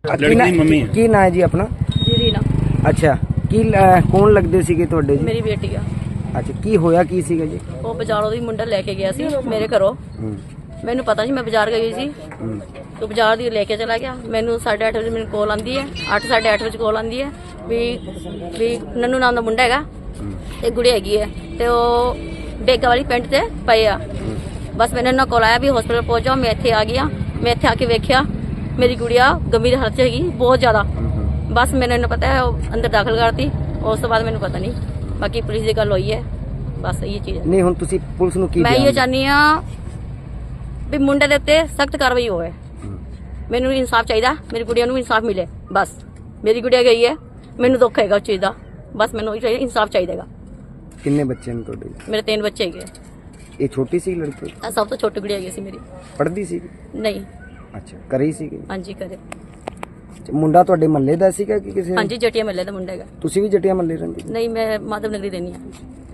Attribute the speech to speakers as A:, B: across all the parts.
A: ਲੜਕੀ ਦੀ ਮੰਮੀ
B: ਕੀ ਨਾਂ ਹੈ ਜੀ ਆਪਣਾ?
C: ਜੀ ਰੀਨਾ
B: ਅੱਛਾ, ਕੀ ਕੌਣ ਲੱਗਦੇ ਸੀਗੇ ਤੁਹਾਡੇ ਜੀ?
C: ਮੇਰੀ ਬੇਟੀ ਆ।
B: ਅੱਛਾ, ਕੀ ਹੋਇਆ ਕੀ ਸੀਗਾ ਜੀ?
C: ਉਹ ਬਾਜ਼ਾਰੋਂ ਦੀ ਮੁੰਡਾ ਲੈ ਕੇ ਗਿਆ ਸੀ ਮੇਰੇ ਘਰੋਂ। ਮੈਨੂੰ ਪਤਾ ਸੀ, ਮੈਂ ਬਾਜ਼ਾਰ ਗਈ ਸੀ तो ਬਾਜ਼ਾਰ ਦੀ ਲੈ ਕੇ ਚਲਾ ਗਿਆ। ਮੈਨੂੰ 8:30 ਵਜੇ ਮੈਨੂੰ ਕਾਲ ਆਂਦੀ ਹੈ, 8:30 ਵਜੇ ਕਾਲ ਆਂਦੀ ਹੈ ਵੀ ਨੰਨੂ ਨਾਮ ਦਾ ਮੁੰਡਾ ਹੈਗਾ ਤੇ ਗੁੜੀ ਹੈਗੀ ਹੈ ਤੇ ਉਹ ਬੇਗਾ ਵਾਲੀ ਪਿੰਡ ਤੇ ਪਏ ਆ। ਬਸ ਮੈਨੂੰ ਨਾ ਕਾਲ ਆਇਆ ਵੀ ਹਸਪੀਟਲ ਪਹੁੰਚ ਜਾਓ। ਮੈਂ ਇੱਥੇ ਆ ਗਿਆ। ਮੈਂ ਇੱਥੇ ਆ ਕੇ ਵੇਖਿਆ ਮੇਰੀ ਗੁੜੀਆ ਗੰਭੀਰ ਹਾਲਤ 'ਚ ਹੈਗੀ, ਬਹੁਤ ਜ਼ਿਆਦਾ। ਬਸ ਮੈਨੂੰ ਪਤਾ ਹੈ ਉਹ ਅੰਦਰ ਦਾਖਲ ਕਰਤੀ। ਉਸ ਤੋਂ ਬਾਅਦ ਮੈਨੂੰ ਪਤਾ ਨਹੀਂ, ਬਾਕੀ ਪੁਲਿਸ ਦੀ ਗੱਲ ਹੋਈ ਹੈ। ਬਸ ਇਹ ਚੀਜ਼
B: ਨਹੀਂ, ਹੁਣ ਤੁਸੀਂ ਪੁਲਿਸ ਨੂੰ ਕੀ?
C: ਮੈਂ ਇਹ ਚਾਹੁੰਦੀ ਹਾਂ ਵੀ ਮੁੰਡੇ ਦੇ ਉੱਤੇ ਸਖਤ ਕਾਰਵਾਈ ਹੋਵੇ। ਮੈਨੂੰ ਇਨਸਾਫ ਚਾਹੀਦਾ, ਮੇਰੀ ਗੁੜੀਆ ਨੂੰ ਇਨਸਾਫ ਮਿਲੇ। ਬਸ ਮੇਰੀ ਗੁੜੀਆ ਗਈ ਹੈ, ਮੈਨੂੰ ਦੁੱਖ ਹੈਗਾ ਉਸ ਚੀਜ਼ ਦਾ। ਬਸ ਮੈਨੂੰ ਇਨਸਾਫ ਚਾਹੀਦਾ ਹੈਗਾ।
B: ਕਿੰਨੇ ਬੱਚੇ ਨੇ ਤੁਹਾਡੇ?
C: ਮੇਰੇ 3 ਬੱਚੇ ਹੈਗੇ।
B: ਇਹ ਛੋਟੀ ਸੀ ਲੜਕੀ?
C: ਸਭ ਤੋਂ ਛੋਟੀ ਗੁੜੀਆ ਹੈਗੀ ਸੀ ਮੇਰੀ।
B: ਪੜ੍ਹਦੀ ਸੀ?
C: ਨਹੀਂ।
B: ਅੱਛਾ, ਘਰੇ ਹੀ ਸੀਗੀ?
C: ਹਾਂਜੀ ਘਰੇ।
B: ਮੁੰਡਾ ਤੁਹਾਡੇ ਮਹੱਲੇ ਦਾ ਸੀਗਾ ਕਿ ਕਿਸੇ?
C: ਹਾਂਜੀ, ਜਟੀਆ ਮਹੱਲੇ ਦਾ ਮੁੰਡਾ ਹੈਗਾ।
B: ਤੁਸੀਂ ਵੀ ਜਟੀਆ ਮਹੱਲੇ ਰਹਿੰਦੇ?
C: ਨਹੀਂ, ਮੈਂ ਮਾਧਵ ਨਗਰੀ ਰਹਿੰਦੀ ਹਾਂ।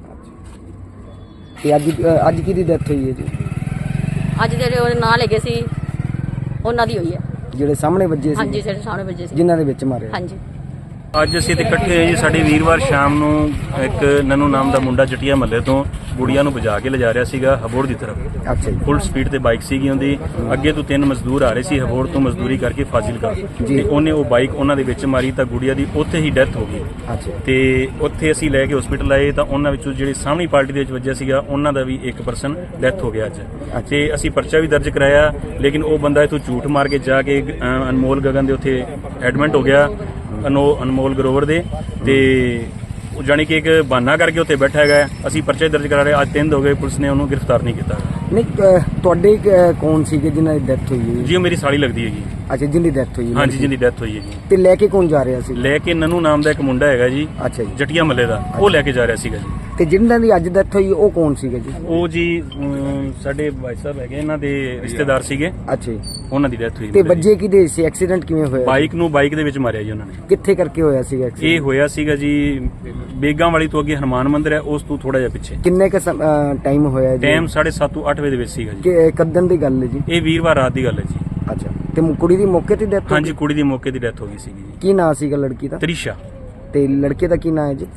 B: ਤੇ ਅੱਜ ਕਿਹਦੀ ਡੈਥ ਹੋਈ ਹੈ ਜੀ?
C: ਅੱਜ ਜਿਹੜੇ ਉਹਦੇ ਨਾਂ ਲੱਗੇ ਸੀ ਉਹਨਾਂ ਦੀ ਹੋਈ ਹੈ।
B: ਜਿਹੜੇ ਸਾਹਮਣੇ ਵੱਜੇ ਸੀ?
C: ਹਾਂਜੀ, ਜਿਹੜੇ ਸਾਹਮਣੇ ਵੱਜੇ ਸੀ,
B: ਜਿਨ੍ਹਾਂ ਦੇ ਵਿੱਚ ਮਾਰੇ?
C: ਹਾਂਜੀ।
A: ਅੱਜ ਅਸੀਂ ਤੇ ਇਕੱਠੇ ਹੋਏ ਜੀ। ਸਾਡੇ ਵੀਰਵਾਰ ਸ਼ਾਮ ਨੂੰ ਇੱਕ ਨੰਨੂ ਨਾਮ ਦਾ ਮੁੰਡਾ ਜਟੀਆ ਮਹੱਲੇ ਤੋਂ ਗੁੜੀਆ ਨੂੰ ਵਜਾ ਕੇ ਲਿਜਾ ਰਿਹਾ ਸੀਗਾ ਹਬੋੜ ਦੀ ਤਰਫ।
B: ਅੱਛਾ ਜੀ।
A: ਫੁੱਲ ਸਪੀਡ ਤੇ ਬਾਈਕ ਸੀਗੀ ਉਹਦੀ। ਅੱਗੇ ਤੋਂ 3 ਮਜ਼ਦੂਰ ਆ ਰਹੇ ਸੀ ਹਬੋੜ ਤੋਂ ਮਜ਼ਦੂਰੀ ਕਰਕੇ ਫਾਜ਼ਿਲਕਾ, ਤੇ ਉਹਨੇ ਉਹ ਬਾਈਕ ਉਹਨਾਂ ਦੇ ਵਿੱਚ ਮਾਰੀ ਤਾਂ ਗੁੜੀਆ ਦੀ ਉੱਥੇ ਹੀ ਡੈਥ ਹੋ ਗਈ।
B: ਅੱਛਾ।
A: ਤੇ ਉੱਥੇ ਅਸੀਂ ਲੈ ਕੇ ਹਸਪੀਟਲ ਆਏ ਤਾਂ ਉਹਨਾਂ ਵਿੱਚੋਂ ਜਿਹੜੀ ਸਾਹਮਣੀ ਪਾਰਟੀ ਦੇ ਵਿੱਚ ਵੱਜਿਆ ਸੀਗਾ ਉਹਨਾਂ ਦਾ ਵੀ ਇੱਕ ਪਰਸਨ ਡੈਥ ਹੋ ਗਿਆ ਅੱਜ। ਤੇ ਅਸੀਂ ਪਰਚਾ ਵੀ ਦਰਜ ਕਰਾਇਆ, ਲੇਕਿਨ ਉਹ ਬੰਦਾ ਇੱਥੋਂ ਝੂਠ ਮਾਰ ਕੇ ਜਾ ਕੇ ਅਨਮੋਲ ਗਗਨ ਦੇ ਉੱਥੇ ਐਡਮਿਟ ਹੋ ਗਿਆ, ਅਨਮੋਲ ਗਰੋਵਰ ਦੇ। ਤੇ ਉਹ ਜਾਣੀ ਕਿ ਇੱਕ ਬਹਾਨਾ ਕਰਕੇ ਉੱਥੇ ਬੈਠਾ ਹੈਗਾ। ਅਸੀਂ ਪਰਚੇ ਦਰਜ ਕਰਾ ਰਹੇ, ਅੱਜ 3 ਹੋ ਗਏ, ਪੁਲਿਸ ਨੇ ਉਹਨੂੰ ਗ੍ਰਿਫਤਾਰ ਨਹੀਂ ਕੀਤਾ।
B: ਨਹੀਂ, ਤੁਹਾਡੇ ਕੌਣ ਸੀਗੇ ਜਿਨ੍ਹਾਂ ਦੀ ਡੈਥ ਹੋਈ ਹੈ
A: ਜੀ? ਉਹ ਮੇਰੀ ਸਾਲੀ ਲੱਗਦੀ ਹੈਗੀ।
B: ਅੱਛਾ, ਜਿੰਦੀ ਡੈਥ ਹੋਈ ਹੈ?
A: ਹਾਂਜੀ, ਜਿੰਦੀ ਡੈਥ ਹੋਈ ਹੈਗੀ।
B: ਤੇ ਲੈ ਕੇ ਕੌਣ ਜਾ ਰਿਹਾ ਸੀ?
A: ਲੈ ਕੇ ਨੰਨੂ ਨਾਮ ਦਾ ਇੱਕ ਮੁੰਡਾ ਹੈਗਾ ਜੀ।
B: ਅੱਛਾ ਜੀ।
A: ਜਟੀਆ ਮੱਲੇ ਦਾ, ਉਹ ਲੈ ਕੇ ਜਾ ਰਿਹਾ ਸੀਗਾ ਜੀ।
B: ਤੇ ਜਿਨ੍ਹਾਂ ਦੀ ਅੱਜ ਡੈਥ ਹੋਈ ਉਹ ਕੌਣ ਸੀਗੇ ਜੀ?
A: ਉਹ ਜੀ ਸਾਡੇ ਭਾਈ ਸਾਹਿਬ ਹੈਗੇ, ਇਹਨਾਂ ਦੇ ਰਿਸ਼ਤੇਦਾਰ ਸੀਗੇ।
B: ਅੱਛਾ ਜੀ।
A: ਉਹਨਾਂ ਦੀ ਡੈਥ ਹੋਈ।
B: ਤੇ ਵੱਜੇ ਕਿਹਦੇ ਸੀ? ਐਕਸੀਡੈਂਟ ਕਿਵੇਂ ਹੋਇਆ?
A: ਬਾਈਕ ਦੇ ਵਿੱਚ ਮਾਰਿਆ ਜੀ ਉਹਨਾਂ ਨੇ।
B: ਕਿੱਥੇ ਕਰਕੇ ਹੋਇਆ ਸੀਗਾ
A: ਇਹ
B: ਐਕਸੀਡੈਂਟ?
A: ਹੋਇਆ ਸੀਗਾ ਜੀ ਬੇਗਾਂ ਵਾਲੀ ਤੋਂ ਅੱਗੇ ਹਨੂਮਾਨ ਮੰਦਿਰ ਹੈ, ਉਸ ਤੋਂ ਥੋੜਾ ਜਿਹਾ ਪਿੱਛੇ।
B: ਕਿੰਨੇ ਕ ਟਾਈਮ ਹੋਇਆ ਜੀ?
A: ਟਾਈਮ 7:30 ਤੋਂ 8 ਵਜੇ ਦੇ ਵਿੱਚ ਸੀਗਾ ਜੀ।
B: ਕਦੋਂ ਦੀ ਗੱਲ ਹੈ ਜੀ?
A: ਇਹ ਵੀਰਵਾਰ ਰਾਤ ਦੀ ਗੱਲ ਹੈ ਜੀ।
B: ਅੱਛਾ। ਤੇ ਕੁੜੀ ਦੀ ਮੌਕੇ ਤੇ ਡੈਥ?
A: ਹਾਂਜੀ, ਕੁੜੀ ਦੀ ਮੌਕੇ ਦੀ ਡੈਥ ਹੋ ਗਈ ਸੀਗੀ ਜੀ।
B: ਕੀ ਨਾਂ ਸੀਗਾ ਲੜਕੀ ਦਾ?
A: ਤ੍ਰਿਸ਼ਾ।
B: ਤੇ ਲੜਕੇ ਦਾ ਕੀ ਨਾਂ ਹੈ ਜੀ?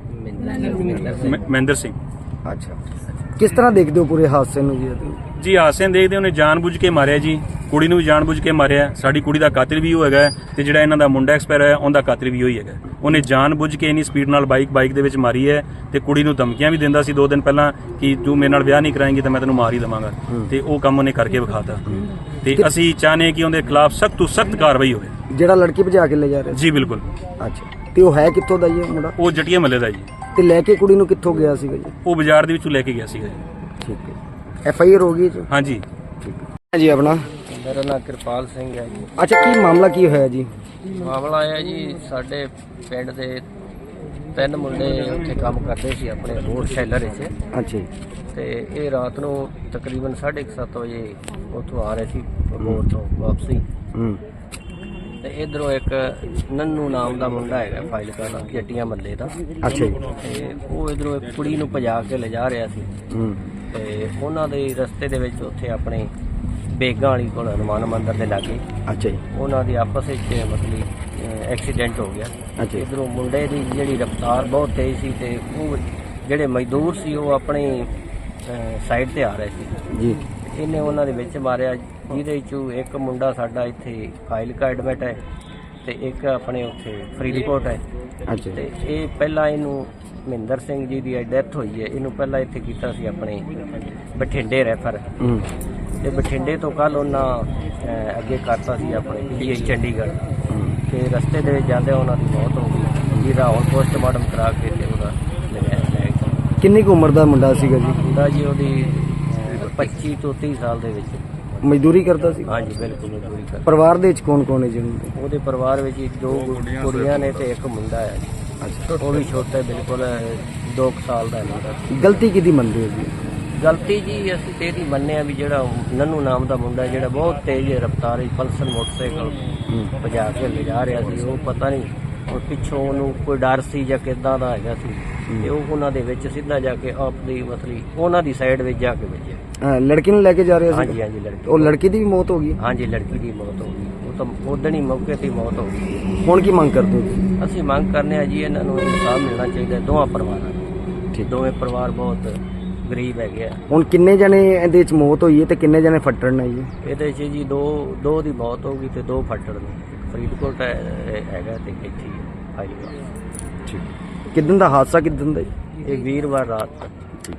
A: ਮਹਿੰਦਰ ਸਿੰਘ।
B: ਅੱਛਾ। ਕਿਸ ਤਰ੍ਹਾਂ ਦੇਖਦੇ ਹੋ ਪੂਰੇ ਹਾਦਸੇ ਨੂੰ ਜੀ?
A: ਜੀ ਹਾਦਸੇ ਦੇਖਦੇ, ਉਹਨੇ ਜਾਣਬੁੱਝ ਕੇ ਮਾਰਿਆ ਜੀ। ਕੁੜੀ ਨੂੰ ਵੀ ਜਾਣਬੁੱਝ ਕੇ ਮਾਰਿਆ। ਸਾਡੀ ਕੁੜੀ ਦਾ ਕਾਤਿਲ ਵੀ ਉਹ ਹੈਗਾ, ਤੇ ਜਿਹੜਾ ਇਹਨਾਂ ਦਾ ਮੁੰਡਾ ਐਕਸਪਾਇਰ ਹੋਇਆ ਉਹਦਾ ਕਾਤਿਲ ਵੀ ਉਹੀ ਹੈਗਾ। ਉਹਨੇ ਜਾਣਬੁੱਝ ਕੇ ਇੰਨੀ ਸਪੀਡ ਨਾਲ ਬਾਈਕ ਦੇ ਵਿੱਚ ਮਾਰੀ ਹੈ, ਤੇ ਕੁੜੀ ਨੂੰ ਧਮਕੀਆਂ ਵੀ ਦਿੰਦਾ ਸੀ 2 ਦਿਨ ਪਹਿਲਾਂ ਕਿ ਤੂੰ ਮੇਰੇ ਨਾਲ ਵਿਆਹ ਨਹੀਂ ਕਰਾਏਂਗੀ ਤਾਂ ਮੈਂ ਤੈਨੂੰ ਮਾਰ ਹੀ ਦੇਵਾਂਗਾ। ਤੇ ਉਹ ਕੰਮ ਉਹਨੇ ਕਰਕੇ ਵਿਖਾਤਾ। ਤੇ ਅਸੀਂ ਚਾਹਨੇ ਕਿ ਉਹਦੇ ਖਿਲਾਫ ਸਖਤ ਤੋਂ ਸਖਤ ਕਾਰਵਾਈ ਹੋਵੇ।
B: ਜਿਹੜਾ ਲੜਕੀ ਭਜਾ ਕੇ ਲੈ ਜਾ ਰਿਹਾ
A: ਜੀ ਬਿਲਕੁਲ।
B: ਅੱਛਾ। ਤੇ ਉਹ ਹੈ ਕਿੱਥੋਂ ਦਾ ਜੀ ਇਹ ਮੁੰਡਾ?
A: ਉਹ ਜਟੀਆ ਮੱਲੇ ਦਾ ਜੀ।
B: ਤੇ ਲੈ ਕੇ ਕੁੜੀ ਨੂੰ ਕਿੱਥੋਂ ਗਿਆ ਸੀਗਾ ਜੀ?
A: ਉਹ ਬਾਜ਼ਾਰ ਦੇ ਵਿੱਚੋਂ ਲੈ ਕੇ ਗਿਆ ਸੀਗਾ ਜੀ।
B: ਠੀਕ ਹੈ। FIR ਹੋ ਗਈ ਜੀ?
A: ਹਾਂਜੀ।
B: ਠੀਕ ਹੈ ਜੀ। ਆਪਣਾ?
D: ਮੇਰਾ ਨਾਮ ਕਿਰਪਾਲ ਸਿੰਘ ਹੈ ਜੀ।
B: ਅੱਛਾ, ਕੀ ਮਾਮਲਾ ਕੀ ਹੋਇਆ ਜੀ?
D: ਮਾਮਲਾ ਆਇਆ ਜੀ, ਸਾਡੇ ਪਿੰਡ ਦੇ 3 ਮੁੰਡੇ ਉੱਥੇ ਕੰਮ ਕਰਦੇ ਸੀ ਆਪਣੇ ਰੋਡ ਸ਼ੈਲਰ ਵਿੱਚ।
B: ਅੱਛਾ ਜੀ।
D: ਤੇ ਇਹ ਰਾਤ ਨੂੰ ਤਕਰੀਬਨ 7:30 ਵਜੇ ਉੱਥੋਂ ਆ ਰਹੇ ਸੀ ਰੋਡ ਤੋਂ ਵਾਪਸੀ। ਤੇ ਇਧਰੋਂ ਇੱਕ ਨੰਨੂ ਨਾਮ ਦਾ ਮੁੰਡਾ ਹੈਗਾ ਫਾਜ਼ਿਲਕਾ ਦਾ, ਜੱਟੀਆਂ ਮੱਲੇ ਦਾ।
B: ਅੱਛਾ ਜੀ।
D: ਤੇ ਉਹ ਇਧਰੋਂ ਇੱਕ ਕੁੜੀ ਨੂੰ ਭਜਾ ਕੇ ਲਿਜਾ ਰਿਹਾ ਸੀ। ਤੇ ਉਹਨਾਂ ਦੇ ਰਸਤੇ ਦੇ ਵਿੱਚ ਉੱਥੇ ਆਪਣੇ ਬੇਗਾਂ ਵਾਲੀ ਕੋਲ ਹਨੂਮਾਨ ਮੰਦਿਰ ਦੇ ਲਾਗੇ
B: ਅੱਛਾ ਜੀ।
D: ਉਹਨਾਂ ਦੀ ਆਪਸ ਵਿੱਚ ਮਤਲਬ ਐਕਸੀਡੈਂਟ ਹੋ ਗਿਆ।
B: ਅੱਛਾ।
D: ਇਧਰੋਂ ਮੁੰਡੇ ਦੀ ਜਿਹੜੀ ਰਫ਼ਤਾਰ ਬਹੁਤ ਤੇਜ਼ ਸੀ, ਤੇ ਉਹ ਜਿਹੜੇ ਮਜ਼ਦੂਰ ਸੀ ਉਹ ਆਪਣੀ ਸਾਈਡ ਤੇ ਆ ਰਹੇ ਸੀ
B: ਜੀ।
D: ਇਹਨੇ ਉਹਨਾਂ ਦੇ ਵਿੱਚ ਮਾਰਿਆ, ਜਿਹਦੇ ਵਿੱਚੋਂ ਇੱਕ ਮੁੰਡਾ ਸਾਡਾ ਇੱਥੇ ਫਾਜ਼ਿਲਕਾ ਐਡਮਿਟ ਹੈ, ਤੇ ਇੱਕ ਆਪਣੇ ਉੱਥੇ ਫਰੀਦਕੋਟ ਹੈ।
B: ਅੱਛਾ।
D: ਤੇ ਇਹ ਪਹਿਲਾਂ ਇਹਨੂੰ ਮਹਿੰਦਰ ਸਿੰਘ ਜੀ ਦੀ ਡੈਥ ਹੋਈ ਹੈ, ਇਹਨੂੰ ਪਹਿਲਾਂ ਇੱਥੇ ਕੀਤਾ ਸੀ ਆਪਣੇ ਬਠਿੰਡੇ ਰੈਫਰ। ਤੇ ਬਠਿੰਡੇ ਤੋਂ ਕੱਲ ਉਹਨਾਂ ਅੱਗੇ ਕਰਤਾ ਸੀ ਆਪਣੇ PGI ਚੰਡੀਗੜ੍ਹ। ਤੇ ਰਸਤੇ ਦੇ ਵਿੱਚ ਜਾਂਦੇ ਉਹਨਾਂ ਦੀ ਮੌਤ ਹੋ ਗਈ, ਜਿਹਦਾ ਹੁਣ ਪੋਸਟਮਾਰਟਮ ਕਰਾ ਕੇ ਤੇ ਉਹਦਾ ਲੈ
B: ਕਿੰਨੀ ਕੁ ਉਮਰ ਦਾ ਮੁੰਡਾ ਸੀਗਾ ਜੀ?
D: ਮੁੰਡਾ ਜੀ ਉਹਦੀ 25 ਤੋਂ 30 ਸਾਲ ਦੇ ਵਿੱਚ।
B: ਮਜ਼ਦੂਰੀ ਕਰਦਾ ਸੀ?
D: ਹਾਂਜੀ ਬਿਲਕੁਲ ਮਜ਼ਦੂਰੀ ਕਰਦਾ।
B: ਪਰਿਵਾਰ ਦੇ ਵਿੱਚ ਕੌਣ ਕੌਣ ਹੈ ਜੀ?
D: ਉਹਦੇ ਪਰਿਵਾਰ ਵਿੱਚ 2 ਕੁੜੀਆਂ ਨੇ ਤੇ ਇੱਕ ਮੁੰਡਾ ਹੈ।
B: ਅੱਛਾ।
D: ਉਹ ਵੀ ਛੋਟਾ ਬਿਲਕੁਲ 2 ਸਾਲ ਦਾ ਮੁੰਡਾ।
B: ਗਲਤੀ ਕਿਹਦੀ ਮੰਨਦੇ ਹੋ ਜੀ?
D: ਗਲਤੀ ਜੀ ਅਸੀਂ ਤੇ ਇਹਦੀ ਮੰਨਿਆ ਵੀ ਜਿਹੜਾ ਨੰਨੂ ਨਾਮ ਦਾ ਮੁੰਡਾ ਜਿਹੜਾ ਬਹੁਤ ਤੇਜ਼ ਰਫ਼ਤਾਰ ਵਿੱਚ ਪਲਸਰ ਮੋਟਰਸਾਈਕਲ ਭਜਾ ਕੇ ਲਿਜਾ ਰਿਹਾ ਸੀ, ਉਹ ਪਤਾ ਨਹੀਂ ਉਹ ਪਿੱਛੋਂ ਉਹਨੂੰ ਕੋਈ ਡਰ ਸੀ ਜਾਂ ਕਿੱਦਾਂ ਦਾ ਹੈਗਾ ਸੀ, ਤੇ ਉਹ ਉਹਨਾਂ ਦੇ ਵਿੱਚ ਸਿੱਧਾ ਜਾ ਕੇ ਆਪਣੀ ਮਤਲਬ ਉਹਨਾਂ ਦੀ ਸਾਈਡ ਵਿੱਚ ਜਾ ਕੇ ਵੱਜਿਆ।
B: ਲੜਕੀ ਨੂੰ ਲੈ ਕੇ ਜਾ ਰਿਹਾ ਸੀ?
D: ਹਾਂਜੀ ਹਾਂਜੀ। ਲੜਕੀ?
B: ਉਹ ਲੜਕੀ ਦੀ ਵੀ ਮੌਤ ਹੋ ਗਈ?
D: ਹਾਂਜੀ, ਲੜਕੀ ਦੀ ਮੌਤ ਹੋ ਗਈ। ਤਾਂ ਉਦਣ ਹੀ ਮੌਕੇ ਤੇ ਮੌਤ ਹੋ ਗਈ।
B: ਹੁਣ ਕੀ ਮੰਗ ਕਰਦੇ ਹੋ ਤੁਸੀਂ?
D: ਅਸੀਂ ਮੰਗ ਕਰਨੇ ਆ ਜੀ ਇਹਨਾਂ ਨੂੰ ਇਨਸਾਫ ਮਿਲਣਾ ਚਾਹੀਦਾ ਦੋਵਾਂ ਪਰਿਵਾਰਾਂ ਨੂੰ। ਦੋਵੇਂ ਪਰਿਵਾਰ ਬਹੁਤ ਗਰੀਬ ਹੈਗੇ ਆ।
B: ਹੁਣ ਕਿੰਨੇ ਜਣੇ ਇਹਦੇ ਵਿੱਚ ਮੌਤ ਹੋਈ ਹੈ ਤੇ ਕਿੰਨੇ ਜਣੇ ਫੱਟੜ ਨੇ ਜੀ?
D: ਇਹਦੇ 'ਚ ਜੀ ਦੋ ਦੀ ਮੌਤ ਹੋ ਗਈ ਤੇ 2 ਫੱਟੜ ਨੇ। ਇੱਕ ਫਰੀਦਕੋਟ ਹੈਗਾ ਤੇ ਇੱਥੇ ਫਾਜ਼ਿਲਕਾ।
B: ਠੀਕ। ਕਿੱਦਣ ਦਾ ਹਾਦਸਾ ਕਿੱਦਣ ਦਾ ਜੀ?
D: ਇਹ ਵੀਰਵਾਰ ਰਾਤ।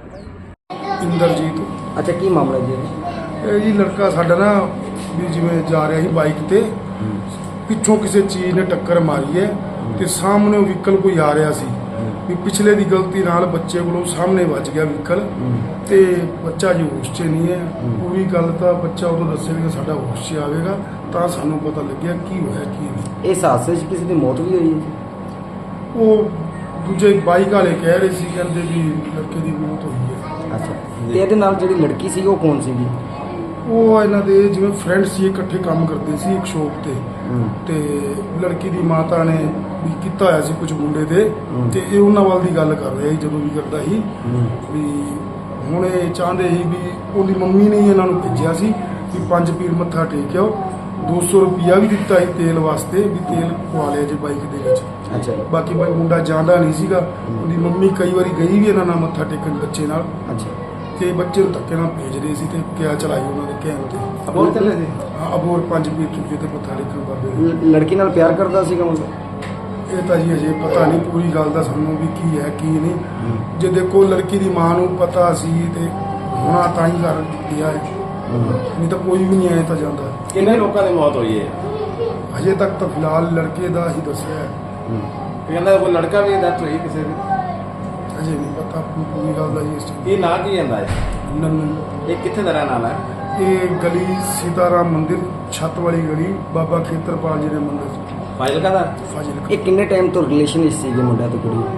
E: ਇੰਦਰਜੀਤ।
B: ਅੱਛਾ, ਕੀ ਮਾਮਲਾ ਜੀ ਇਹ?
E: ਇਹ ਜੀ ਲੜਕਾ ਸਾਡਾ ਨਾ ਵੀ ਜਿਵੇਂ ਜਾ ਰਿਹਾ ਸੀ ਬਾਈਕ ਤੇ, ਪਿੱਛੋਂ ਕਿਸੇ ਚੀਜ਼ ਨੇ ਟੱਕਰ ਮਾਰੀ ਹੈ ਤੇ ਸਾਹਮਣੇ ਵਹੀਕਲ ਕੋਈ ਆ ਰਿਹਾ ਸੀ ਵੀ ਪਿਛਲੇ ਦੀ ਗਲਤੀ ਨਾਲ ਬੱਚੇ ਕੋਲੋਂ ਸਾਹਮਣੇ ਵੱਜ ਗਿਆ ਵਹੀਕਲ ਤੇ ਬੱਚਾ ਜੀ ਹੋਸ਼ 'ਚ ਨਹੀਂ ਹੈ। ਪੂਰੀ ਗੱਲ ਤਾਂ ਬੱਚਾ ਉਦੋਂ ਦੱਸੇਗਾ ਸਾਡਾ ਹੋਸ਼ 'ਚ ਆਵੇਗਾ ਤਾਂ ਸਾਨੂੰ ਪਤਾ ਲੱਗਿਆ ਕੀ ਹੋਇਆ ਕੀ ਨਹੀਂ।
B: ਇਸ ਹਾਦਸੇ 'ਚ ਕਿਸੇ ਦੀ ਮੌਤ ਵੀ ਹੋਈ ਹੈ ਜੀ?
E: ਉਹ ਦੂਜੇ ਬਾਈਕ ਵਾਲੇ ਕਹਿ ਰਹੇ ਸੀ, ਕਹਿੰਦੇ ਵੀ ਲੜਕੇ ਦੀ ਮੌਤ ਹੋਈ ਹੈ।
B: ਅੱਛਾ, ਤੇ ਇਹਦੇ ਨਾਲ ਜਿਹੜੀ ਲੜਕੀ ਸੀ ਉਹ ਕੌਣ ਸੀਗੀ?
E: ਉਹ ਇਹਨਾਂ ਦੇ ਜਿਵੇਂ ਫਰੈਂਡ ਸੀ, ਇਕੱਠੇ ਕੰਮ ਕਰਦੇ ਸੀ ਇੱਕ ਸ਼ੋਪ ਤੇ। ਤੇ ਲੜਕੀ ਦੀ ਮਾਤਾ ਨੇ ਵੀ ਕੀਤਾ ਹੋਇਆ ਸੀ ਕੁਝ ਮੁੰਡੇ ਦੇ ਤੇ ਇਹ ਉਹਨਾਂ ਵੱਲ ਦੀ ਗੱਲ ਕਰ ਰਿਹਾ ਸੀ ਜਦੋਂ ਵੀ ਕਰਦਾ ਸੀ ਵੀ ਹੁਣ ਇਹ ਚਾਹੁੰਦੇ ਸੀ ਵੀ ਉਹਦੀ ਮੰਮੀ ਨੇ ਹੀ ਇਹਨਾਂ ਨੂੰ ਭੇਜਿਆ ਸੀ ਵੀ 5 ਪੀਰ ਮੱਥਾ ਟੇਕਿਓ। 200 ਰੁਪਿਆ ਵੀ ਦਿੱਤਾ ਸੀ ਤੇਲ ਵਾਸਤੇ ਵੀ ਤੇਲ ਪਵਾ ਲਿਆ ਜੇ ਬਾਈਕ ਦੇ ਵਿੱਚ।
B: ਅੱਛਾ ਜੀ।
E: ਬਾਕੀ ਬਾਈ ਮੁੰਡਾ ਜਾਂਦਾ ਨਹੀਂ ਸੀਗਾ। ਉਹਦੀ ਮੰਮੀ ਕਈ ਵਾਰੀ ਗਈ ਵੀ ਇਹਨਾਂ ਨਾਲ ਮੱਥਾ ਟੇਕਣ ਬੱਚੇ ਨਾਲ
B: ਅੱਛਾ,
E: ਤੇ ਬੱਚੇ ਨੂੰ ਧੱਕੇ ਨਾਲ ਭੇਜ ਰਹੇ ਸੀ ਤੇ ਕਿਆ ਚਲਾਈ ਉਹਨਾਂ ਦੇ ਕਹਿਣ ਤੇ।
B: ਅਬੋਰ ਚੱਲੇ ਸੀ?
E: ਹਾਂ, ਅਬੋਰ 5 ਪੀਰ ਚੁੱਕੇ ਤੇ ਮੱਥਾ ਟੇਕਣ ਬਾਬੇ ਨੂੰ।
B: ਲੜਕੀ ਨਾਲ ਪਿਆਰ ਕਰਦਾ ਸੀਗਾ ਮੁੰਡਾ?
E: ਇਹ ਤਾਂ ਜੀ ਅਜੇ ਪਤਾ ਨਹੀਂ ਪੂਰੀ ਗੱਲ ਦਾ ਸਾਨੂੰ ਵੀ ਕੀ ਹੈ ਕੀ ਨਹੀਂ। ਜੇ ਦੇਖੋ ਲੜਕੀ ਦੀ ਮਾਂ ਨੂੰ ਪਤਾ ਸੀ ਤੇ ਹੁਣਾ ਤਾਂ ਹੀ ਕਰ ਗਿਆ ਹੈ, ਨਹੀਂ ਤਾਂ ਕੋਈ ਵੀ ਨਹੀਂ ਆਇਆ ਤਾਂ ਜਾਂਦਾ।
F: ਕਿੰਨੇ ਲੋਕਾਂ ਦੀ ਮੌਤ ਹੋਈ ਹੈ?
E: ਅਜੇ ਤੱਕ ਤਾਂ ਫਿਲਹਾਲ ਲੜਕੇ ਦਾ ਹੀ ਦੱਸਿਆ ਹੈ,
F: ਕਹਿੰਦਾ ਕੋਈ ਲੜਕਾ ਵੀ ਡੈਥ ਹੋਈ ਕਿਸੇ ਦੀ?
E: ਅਜੇ ਨਹੀਂ ਪਤਾ ਪੂਰੀ ਗੱਲ ਦਾ ਜੀ ਇਸ ਚੀਜ਼
F: ਇਹ ਨਾਂ ਕੀ ਜਾਂਦਾ ਹੈ?
E: ਨੰਨੂ।
F: ਇਹ ਕਿੱਥੇ ਦਾ ਰਹਿਣ ਵਾਲਾ ਹੈ?
E: ਇਹ ਗਲੀ ਸੀਤਾਰਾਮ ਮੰਦਿਰ ਛੱਤ ਵਾਲੀ ਗਲੀ ਬਾਬਾ ਖੇਤਰਪਾਲ ਜੀ ਦੇ ਮੰਦਿਰ
F: ਫਾਜ਼ਿਲਕਾ ਦਾ?
E: ਫਾਜ਼ਿਲਕਾ।
B: ਇਹ ਕਿੰਨੇ ਟਾਈਮ ਤੋਂ ਰਿਲੇਸ਼ਨ ਵਿੱਚ ਸੀਗੇ ਮੁੰਡਾ ਤੇ ਕੁੜੀ?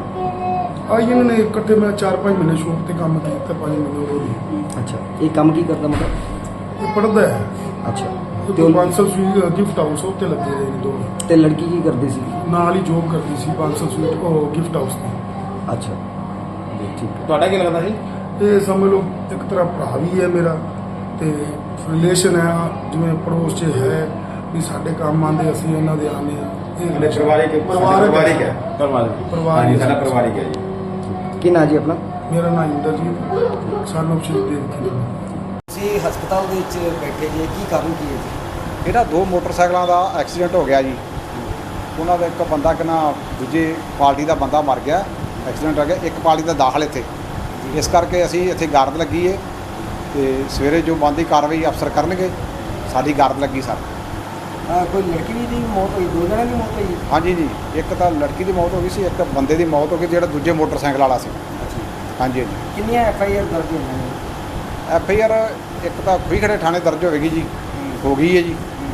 E: ਆ ਇਹਨਾਂ ਨੇ ਇਕੱਠੇ ਮੈਂ 4-5 ਮਹੀਨੇ ਸ਼ੌਪ ਤੇ ਕੰਮ ਕੀਤਾ, 5 ਮਹੀਨੇ ਹੋਰ ਵੀ।
B: ਅੱਛਾ, ਇਹ ਕੰਮ ਕੀ ਕਰਦਾ ਮੁੰਡਾ?
E: ਇਹ ਪੜ੍ਹਦਾ ਹੈ
B: ਅੱਛਾ,
E: ਤੇ
B: ਤੇ ਉਹ-
E: 500 ਸਵੀਟ ਗਿਫਟ ਹਾਊਸ ਉੱਤੇ ਲੱਗੇ ਰਹੇ ਨੇ ਦੋਵੇਂ।
B: ਤੇ ਲੜਕੀ ਕੀ ਕਰਦੀ ਸੀ?
E: ਨਾਲ ਹੀ ਜੋਬ ਕਰਦੀ ਸੀ 500 ਸਵੀਟ ਉਹ ਗਿਫਟ ਹਾਊਸ ਦੀ।
B: ਅੱਛਾ, ਠੀਕ ਹੈ।
F: ਤੁਹਾਡਾ ਕੀ ਲੱਗਦਾ ਸੀ?
E: ਇਹ ਸਮਝ ਲਓ ਇੱਕ ਤਰ੍ਹਾਂ ਭਰਾ ਵੀ ਹੈ ਮੇਰਾ ਤੇ ਰਿਲੇਸ਼ਨ ਹੈ ਜਿਵੇਂ ਪੜੋਸ 'ਚ ਹੈ ਵੀ ਸਾਡੇ ਕੰਮ ਆਉਂਦੇ ਅਸੀਂ ਇਹਨਾਂ ਦੇ ਆਉਂਦੇ ਹਾਂ। ਇਹ relation- ਪਰਿਵਾਰਿਕ ਹੈ।
F: ਹਾਂਜੀ, ਸਾਡਾ ਪਰਿਵਾਰਿਕ ਹੈ ਜੀ।
B: ਕੀ ਨਾਂ ਜੀ ਆਪਣਾ?
E: ਮੇਰਾ ਨਾਮ ਇੰਦਰਜੀਤ ਸਾਨੂੰ ਸ਼੍ਰੀ ਦੇਵ ਜੀ।
B: ਤੁਸੀਂ ਹਸਪਤਾਲ ਦੇ ਵਿੱਚ ਬੈਠੇ ਜੀ, ਕੀ ਕਾਰਨ ਕੀ ਹੈ ਜੀ?
G: ਇਹਦਾ 2 ਮੋਟਰਸਾਈਕਲਾਂ ਦਾ ਐਕਸੀਡੈਂਟ ਹੋ ਗਿਆ ਜੀ। ਉਹਨਾਂ ਦਾ ਇੱਕ ਬੰਦਾ ਕਿਨਾ ਦੂਜੀ ਪਾਰਟੀ ਦਾ ਬੰਦਾ ਮਰ ਗਿਆ, ਐਕਸੀਡੈਂਟ ਹੋ ਗਿਆ। ਇੱਕ ਪਾਰਟੀ ਦਾ ਦਾਖਲ ਇੱਥੇ, ਇਸ ਕਰਕੇ ਅਸੀਂ ਇੱਥੇ ਗਾਰਦ ਲੱਗੀ ਏ ਤੇ ਸਵੇਰੇ ਜੋ ਬਣਦੀ ਕਾਰਵਾਈ ਅਫਸਰ ਕਰਨਗੇ। ਸਾਡੀ ਗਾਰਦ ਲੱਗੀ ਸਰ।
B: ਕੋਈ ਲੜਕੀ ਦੀ ਮੌਤ ਹੋਈ? 2 ਜਣਿਆਂ ਦੀ ਮੌਤ ਹੋਈ?
G: ਹਾਂਜੀ ਜੀ, ਇੱਕ ਤਾਂ ਲੜਕੀ ਦੀ ਮੌਤ ਹੋ ਗਈ ਸੀ, ਇੱਕ ਬੰਦੇ ਦੀ ਮੌਤ ਹੋ ਗਈ ਜਿਹੜਾ ਦੂਜੇ ਮੋਟਰਸਾਈਕਲ ਵਾਲਾ ਸੀ।
B: ਅੱਛਾ,
G: ਹਾਂਜੀ ਹਾਂਜੀ।
B: ਕਿੰਨੀਆਂ FIR ਦਰਜ ਹੋਈਆਂ ਨੇ?
G: FIR ਇੱਕ ਤਾਂ ਖੂਹੀ ਥਾਣੇ ਦਰਜ ਹੋਵੇਗੀ ਜੀ, ਹੋ ਗਈ ਹੈ ਜੀ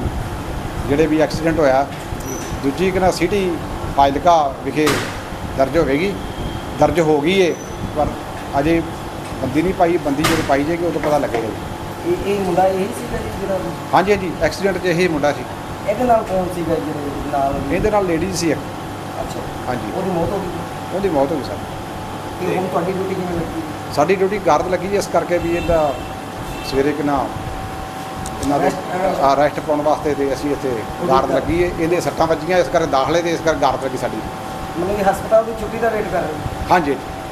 G: ਜਿਹੜੇ ਵੀ ਐਕਸੀਡੈਂਟ ਹੋਇਆ। ਦੂਜੀ ਕਿਨਾ ਸਿਟੀ ਫਾਜ਼ਿਲਕਾ ਵਿਖੇ ਦਰਜ ਹੋਵੇਗੀ, ਦਰਜ ਹੋ ਗਈ ਹੈ ਪਰ ਅਜੇ ਬੰਦੀ ਨਹੀਂ ਪਾਈ। ਬੰਦੀ ਜਦੋਂ ਪਾਈ ਜਾਏਗੀ ਉਦੋਂ ਪਤਾ ਲੱਗੇਗਾ ਜੀ।
B: ਇਹ ਮੁੰਡਾ ਇਹੀ ਸੀਗਾ ਜੀ ਜਿਹੜਾ?
G: ਹਾਂਜੀ ਹਾਂਜੀ, ਐਕਸੀਡੈਂਟ 'ਚ ਇਹੀ ਮੁੰਡਾ ਸੀ।
B: ਇਹਦੇ ਨਾਲ ਕੌਣ ਸੀਗਾ ਜਿਹੜੇ ਨਾਲ?
G: ਇਹਦੇ ਨਾਲ ਲੇਡੀਜ਼ ਸੀ ਇੱਕ।
B: ਅੱਛਾ,
G: ਹਾਂਜੀ,
B: ਉਹਦੀ ਮੌਤ ਹੋ ਗਈ?
G: ਉਹਦੀ ਮੌਤ ਹੋ ਗਈ ਸਰ।
B: ਤੇ ਹੁਣ ਤੁਹਾਡੀ ਡਿਊਟੀ ਕਿਵੇਂ ਲੱਗੀ?
G: ਸਾਡੀ ਡਿਊਟੀ ਗਾਰਦ ਲੱਗੀ ਜੀ, ਇਸ ਕਰਕੇ ਵੀ ਇਹਦਾ ਸਵੇਰੇ ਕਿਨਾ ਇਹਨਾਂ ਦੇ ਅਰੈਸਟ ਪਾਉਣ ਵਾਸਤੇ ਤੇ ਅਸੀਂ ਇੱਥੇ ਗਾਰਦ ਲੱਗੀ ਹੈ। ਇਹਦੇ ਸੱਟਾਂ ਵੱਜੀਆਂ ਇਸ ਕਰਕੇ ਦਾਖਲੇ ਤੇ ਇਸ ਕਰਕੇ ਗਾਰਦ ਲੱਗੀ ਸਾਡੀ।
B: ਮਤਲਬ ਕਿ ਹਸਪਤਾਲ ਦੀ ਛੁੱਟੀ ਦਾ ਵੇਟ ਕਰ ਰਹੇ ਹੋ?
G: ਹਾਂਜੀ।